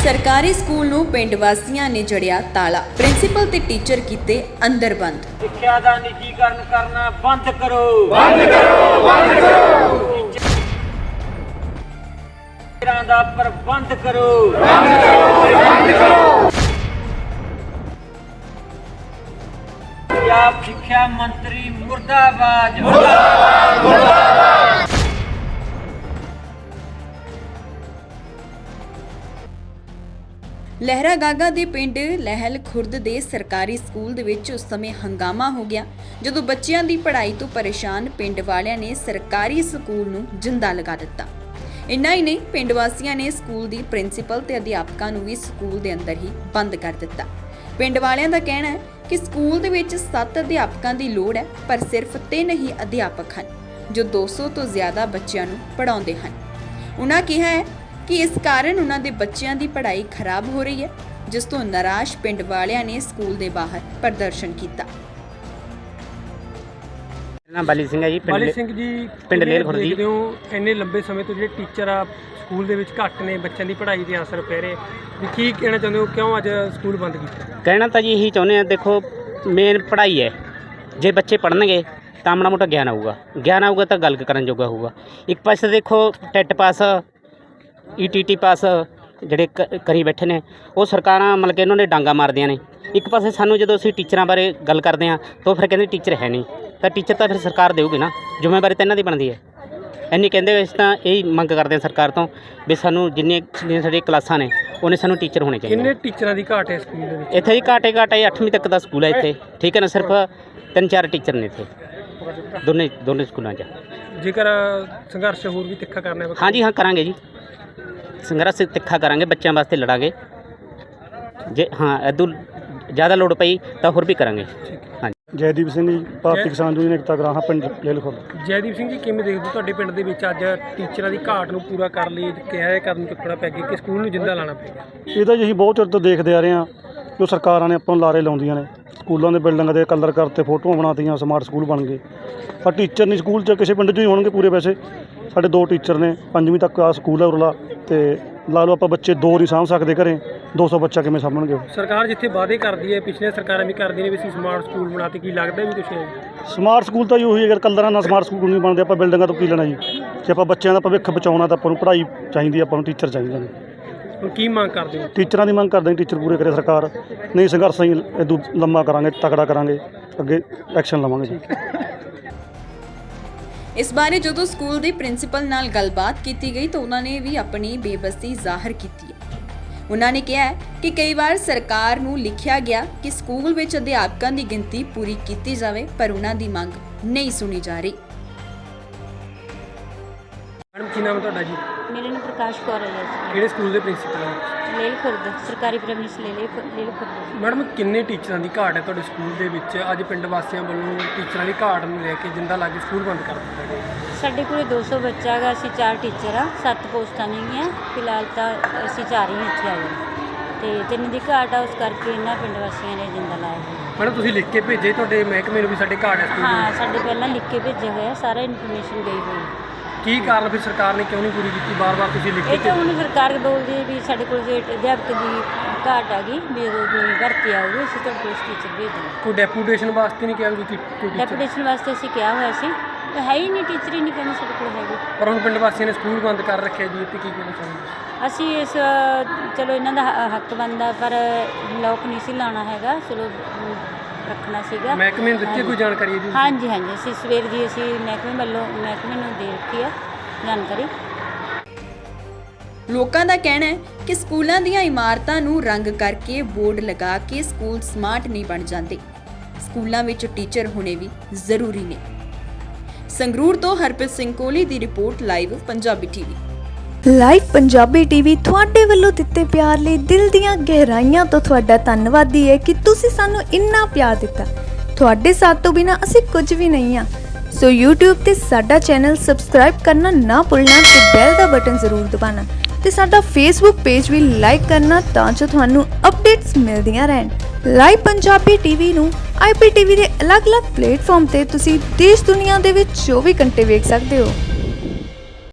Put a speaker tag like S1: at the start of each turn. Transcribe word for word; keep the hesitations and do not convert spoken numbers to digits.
S1: सरकारी स्कूल नूं पिंड वासियां ने जड़िया ताला, प्रिंसीपल ते टीचर कीते अंदर बंद।
S2: सिक्ख्या दा निजीकरण करना बंद करो, बंद करो, बंद करो। टीचरां दा प्रबंध करो, बंद करो, बंद करो। पंजाब सिक्ख्या मंत्री मुर्दाबाद, मुर्दाबाद, मुर्दाबाद।
S1: लहरा गागा ਦੇ ਪਿੰਡ ਲਹਿਲ ਖੁਰਦ ਦੇ ਸਰਕਾਰੀ ਸਕੂਲ ਦੇ ਵਿੱਚ ਉਸ ਸਮੇਂ ਹੰਗਾਮਾ ਹੋ ਗਿਆ ਜਦੋਂ ਬੱਚਿਆਂ ਦੀ ਪੜ੍ਹਾਈ ਤੋਂ ਪਰੇਸ਼ਾਨ ਪਿੰਡ ਵਾਲਿਆਂ ਨੇ ਸਰਕਾਰੀ ਸਕੂਲ ਨੂੰ ਜਿੰਦਾ ਲਗਾ ਦਿੱਤਾ। ਇੰਨਾ ਹੀ ਨਹੀਂ, ਪਿੰਡ ਵਾਸੀਆਂ ਨੇ ਸਕੂਲ ਦੀ ਪ੍ਰਿੰਸੀਪਲ ਤੇ ਅਧਿਆਪਕਾਂ ਨੂੰ ਵੀ ਸਕੂਲ ਦੇ ਅੰਦਰ ਹੀ ਬੰਦ ਕਰ ਦਿੱਤਾ। ਪਿੰਡ ਵਾਲਿਆਂ ਦਾ ਕਹਿਣਾ ਹੈ ਕਿ ਸਕੂਲ ਦੇ ਵਿੱਚ ਸੱਤ ਅਧਿਆਪਕਾਂ ਦੀ ਲੋੜ ਹੈ, ਪਰ ਸਿਰਫ ਤਿੰਨ ਹੀ ਅਧਿਆਪਕ ਹਨ ਜੋ ਦੋ ਸੌ ਤੋਂ ਜ਼ਿਆਦਾ ਬੱਚਿਆਂ ਨੂੰ ਪੜ੍ਹਾਉਂਦੇ ਹਨ। ਉਹਨਾਂ ਕਿਹਾ ਹੈ कि इस कारण उन्होंने बच्चों की पढ़ाई खराब हो रही है, जिस तो निराश पिंड वालियां ने स्कूल के बाहर प्रदर्शन किया।
S3: नाम बाली सिंह है जी,
S4: बाली सिंह जी
S3: पिंड लेल खुर्द जी।
S4: इन्ने लंबे समय तो जो टीचर आ स्कूल के घट ने, बच्चों की पढ़ाई से असर पै रहे, की कहना चाहते हो, क्यों अज स्कूल बंद किया?
S3: कहना तो जी यही चाहते हैं, देखो मेन पढ़ाई है, जे बच्चे पढ़नगे तो माड़ा मोटा ज्ञान आऊगा, ज्ञान आऊगा तो गल करन जोगा होगा। एक पासे देखो TET pass E T T pass ਜਿਹੜੇ ਕਰੀ ਬੈਠੇ ਨੇ ਉਹ ਸਰਕਾਰਾਂ ਮਤਲਬ ਕਿ ਇਹਨਾਂ ਨੇ ਡਾਂਗਾ ਮਾਰਦੀਆਂ ਨੇ। ਇੱਕ ਪਾਸੇ ਸਾਨੂੰ ਜਦੋਂ ਅਸੀਂ ਟੀਚਰਾਂ ਬਾਰੇ ਗੱਲ ਕਰਦੇ ਹਾਂ ਤਾਂ ਫਿਰ ਕਹਿੰਦੇ ਟੀਚਰ ਹੈ ਨਹੀਂ, ਤਾਂ ਟੀਚਰ ਤਾਂ ਫਿਰ ਸਰਕਾਰ ਦੇਊਗੀ ਨਾ, ਜ਼ਿੰਮੇਵਾਰੀ ਤਾਂ ਇਹਨਾਂ ਦੀ ਬਣਦੀ ਹੈ। ਇੰਨੀ ਕਹਿੰਦੇ ਹੋਏ ਤਾਂ ਇਹ ਮੰਗ ਕਰਦੇ ਹਾਂ ਸਰਕਾਰ ਤੋਂ ਵੀ ਸਾਨੂੰ ਜਿੰਨੀਆਂ ਜਿੰਨੀਆਂ ਸਾਡੀਆਂ ਕਲਾਸਾਂ ਨੇ ਉਹਨੇ ਸਾਨੂੰ ਟੀਚਰ ਹੋਣੇ ਚਾਹੀਦੇ।
S4: ਕਿੰਨੇ ਟੀਚਰਾਂ ਦੀ ਘਾਟ ਹੈ ਸਕੂਲ ਦੇ ਵਿੱਚ?
S3: ਇੱਥੇ ਹੀ ਘਾਟੇ ਘਾਟ ਹੈ, ਅੱਠਵੀਂ ਤੱਕ ਦਾ ਸਕੂਲ ਹੈ ਇੱਥੇ, ਠੀਕ ਹੈ ਨਾ, ਸਿਰਫ ਤਿੰਨ ਚਾਰ ਟੀਚਰ ਨੇ ਇੱਥੇ ਦੋਨੇ ਦੋਨੇ ਸਕੂਲਾਂ 'ਚ।
S4: ਜੇਕਰ ਸੰਘਰਸ਼ ਹੋਰ ਵੀ ਤਿੱਖਾ ਕਰਨਾ ਹੈ?
S3: ਹਾਂਜੀ ਹਾਂ ਕਰਾਂਗੇ ਜੀ, संघर्ष तिखा करांगे, बच्चों वास्ते लड़ांगे जे हाँ इदू ज़्यादा लोड़ पई तो होर भी करांगे। हाँ
S5: जयदीप सिंह जी, भारतीय किसान यूनियन एकता ग्राह पिंड लेल खुर्द।
S4: जयदीप सिंह जी, किवें देखदे हो तुहाडे पिंड दे विच अज टीचरां दी घाट नूं पूरा कर लई, किहा है कदम चुकना पै गया कि स्कूल नूं जिंदा लाना पेगा?
S5: ਇਹ ਤਾਂ ਜੀ ਅਸੀਂ ਬਹੁਤ ਚਿਰ ਤੋਂ ਦੇਖਦੇ ਆ ਰਹੇ ਹਾਂ ਜੋ ਸਰਕਾਰਾਂ ਨੇ ਆਪਾਂ ਨੂੰ ਲਾਰੇ ਲਾਉਂਦੀਆਂ ਨੇ, ਸਕੂਲਾਂ ਦੇ ਬਿਲਡਿੰਗਾਂ ਦੇ ਕਲਰ ਕਰਤੇ, ਫੋਟੋਆਂ ਬਣਾਤੀਆਂ, ਸਮਾਰਟ ਸਕੂਲ ਬਣ ਗਏ, ਪਰ ਟੀਚਰ ਨਹੀਂ ਸਕੂਲ 'ਚ ਕਿਸੇ ਪਿੰਡ 'ਚ ਹੀ ਹੋਣਗੇ ਪੂਰੇ। ਵੈਸੇ ਸਾਡੇ ਦੋ ਟੀਚਰ ਨੇ, ਪੰਜਵੀਂ ਤੱਕ ਆ ਸਕੂਲ ਹੈ ਉਰਲਾ, ਤੇ ਲਾ ਲਓ ਆਪਾਂ ਬੱਚੇ ਦੋ ਨਹੀਂ ਸਾਂਭ ਸਕਦੇ ਘਰੇ, ਦੋ ਸੌ ਬੱਚਾ ਕਿਵੇਂ ਸਾਂਭਣਗੇ?
S4: ਸਰਕਾਰ ਜਿੱਥੇ ਵਾਅਦੇ ਕਰਦੀ ਹੈ, ਪਿਛਲੀਆਂ ਸਰਕਾਰਾਂ ਵੀ ਕਰਦੀਆਂ ਨੇ ਵੀ ਅਸੀਂ ਸਮਾਰਟ ਸਕੂਲ ਬਣਾਤੇ, ਕੀ ਲੱਗਦਾ ਵੀ ਕੁਛ ਹੈ?
S5: ਸਮਾਰਟ ਸਕੂਲ ਤਾਂ ਜੀ ਉਹੀ, ਅਗਰ ਕਲਰਾਂ ਨਾਲ ਸਮਾਰਟ ਸਕੂਲ ਨਹੀਂ ਬਣਦੇ, ਆਪਾਂ ਬਿਲਡਿੰਗਾਂ ਤੋਂ ਕੀ ਲੈਣਾ ਜੀ? ਜੇ ਆਪਾਂ ਬੱਚਿਆਂ ਦਾ ਭਵਿੱਖ ਬਚਾਉਣਾ ਤਾਂ ਆਪਾਂ ਨੂੰ ਪੜ੍ਹਾਈ ਚਾਹੀਦੀ, ਆਪਾਂ ਨੂੰ ਟੀਚਰ ਚਾਹੀਦੇ ਨੇ।
S4: ਹੁਣ ਕੀ ਮੰਗ ਕਰਦੇ ਹੋ?
S5: ਟੀਚਰਾਂ ਦੀ ਮੰਗ ਕਰਦੇ ਹਾਂ, ਟੀਚਰ ਪੂਰੇ ਕਰੇ ਸਰਕਾਰ, ਨਹੀਂ ਸੰਘਰਸ਼ ਅਸੀਂ ਇਦੋਂ ਲੰਮਾ ਕਰਾਂਗੇ, ਤਕੜਾ ਕਰਾਂਗੇ, ਅੱਗੇ ਐਕਸ਼ਨ ਲਵਾਂਗੇ ਜੀ।
S1: इस बारे जो स्कूल के प्रिंसीपल नाल गलबात की गई तो उन्होंने भी अपनी बेबसी जाहिर की है। उन्होंने कहा है कि कई बार सरकार नूं लिखिया गया कि स्कूल विच अध्यापकों की गिनती पूरी की जाए, पर उन्हों की मंग नहीं सुनी जा रही।
S4: मैडम की नाम है तुहाडा जी?
S6: मेरा नाम प्रकाश कौर है जी।
S4: किहड़े स्कूल के प्रिंसीपल हैं?
S6: लेल खुर्द सरकारी प्राइमरी स्कूल लेल खुर्द।
S4: मैडम किन्ने टीचरां दी घाट है तुहाडे स्कूल दे विच? अज पिंड वासियां वल्लों टीचरां दी घाट नूं लैके जिंदा ला के स्कूल बंद कर दित्ता गया।
S6: साडे कोल दो सौ बच्चा है, असीं चार टीचर आ, सत्त पोस्टां नहींगियां फिलहाल, तां असीं चार ही इत्थे आए ते तिन्न दी घाट आ, उस करके इन्हां पिंड वासियां ने जिंदा लाया।
S4: मैडम तुसीं लिख के भेजे तुहाडे महकमे नूं भी साडे घाट है स्कूल?
S6: हाँ, साडे पहलां लिख के भेजिया होया, सारा इन्फॉर्मेशन गई हुई।
S4: की कारण फिर सरकार ने क्यों नहीं पूरी की? बार बार तुसीं लिख
S6: ये
S4: के
S6: तो हुण सरकार बोलदी है भी साडे कोल जे अध्यापक दी घाट आ गई, भी उदों भर्ती आऊगी, असीं तुहाडे कोल टीचर भेज देंगे।
S4: कोई डेपूटेशन वास्ते नहीं कहा कोई टीचर?
S6: डेपूटेशन वास्ते असीं किहा होया सी, है ही नहीं टीचर ही नहीं कहने साडे कोल हैगे।
S4: पर हुण पिंड वासियां ने स्कूल बंद कर रखे जी, इत्थे की कहना चाहुंदे?
S6: ਅਸੀਂ ਇਸ ਚਲੋ ਇਹਨਾਂ ਦਾ ਹੱਕ ਬਣਦਾ, ਪਰ ਲੋਕ ਨਹੀਂ ਸੀ ਲਾਉਣਾ ਹੈਗਾ, ਚਲੋ ਰੱਖਣਾ ਸੀਗਾ।
S4: ਮਹਿਕਮੇ ਨੂੰ ਦਿੱਤੀ ਕੋਈ ਜਾਣਕਾਰੀ ਜੀ?
S6: ਹਾਂਜੀ ਹਾਂਜੀ, ਅਸੀਂ ਸਵੇਰ ਦੀ ਅਸੀਂ ਮਹਿਕਮੇ ਵੱਲੋਂ ਮਹਿਕਮੇ ਨੂੰ ਦੇ ਰੱਖੀ ਆ ਜਾਣਕਾਰੀ।
S1: ਲੋਕਾਂ ਦਾ ਕਹਿਣਾ ਹੈ ਕਿ ਸਕੂਲਾਂ ਦੀਆਂ ਇਮਾਰਤਾਂ ਨੂੰ ਰੰਗ ਕਰਕੇ ਬੋਰਡ ਲਗਾ ਕੇ ਸਕੂਲ ਸਮਾਰਟ ਨਹੀਂ ਬਣ ਜਾਂਦੇ, ਸਕੂਲਾਂ ਵਿੱਚ ਟੀਚਰ ਹੋਣੇ ਵੀ ਜ਼ਰੂਰੀ ਨੇ। ਸੰਗਰੂਰ ਤੋਂ ਹਰਪ੍ਰੀਤ ਸਿੰਘ ਕੋਹਲੀ ਦੀ report, live Punjabi TV.
S7: Live Punjabi TV ਤੁਹਾਡੇ ਵੱਲੋਂ ਦਿੱਤੇ ਪਿਆਰ ਲਈ ਦਿਲ ਦੀਆਂ ਗਹਿਰਾਈਆਂ ਤੋਂ ਤੁਹਾਡਾ ਧੰਨਵਾਦੀ ਹੈ ਕਿ ਤੁਸੀਂ ਸਾਨੂੰ ਇੰਨਾ ਪਿਆਰ ਦਿੱਤਾ। ਤੁਹਾਡੇ ਸਾਥ ਤੋਂ ਬਿਨਾਂ ਅਸੀਂ ਕੁਝ ਵੀ ਨਹੀਂ ਹਾਂ। ਸੋ YouTube ਤੇ ਸਾਡਾ ਚੈਨਲ ਸਬਸਕ੍ਰਾਈਬ ਕਰਨਾ ਨਾ ਭੁੱਲਣਾ ਤੇ ਬੈਲ ਦਾ ਬਟਨ ਜ਼ਰੂਰ ਦਬਾਉਣਾ ਤੇ ਸਾਡਾ Facebook ਪੇਜ ਵੀ ਲਾਈਕ ਕਰਨਾ ਤਾਂ ਜੋ ਤੁਹਾਨੂੰ ਅਪਡੇਟਸ ਮਿਲਦੀਆਂ ਰਹਿਣ। ਲਾਈਵ ਪੰਜਾਬੀ ਟੀਵੀ ਨੂੰ ਆਈ ਪੀ ਟੀ ਵੀ ਦੇ ਅਲੱਗ-ਅਲੱਗ ਪਲੇਟਫਾਰਮ ਤੇ ਤੁਸੀਂ ਦੇਸ਼ ਦੁਨੀਆ ਦੇ ਵਿੱਚ ਚੌਵੀ ਘੰਟੇ ਵੇਖ ਸਕਦੇ ਹੋ।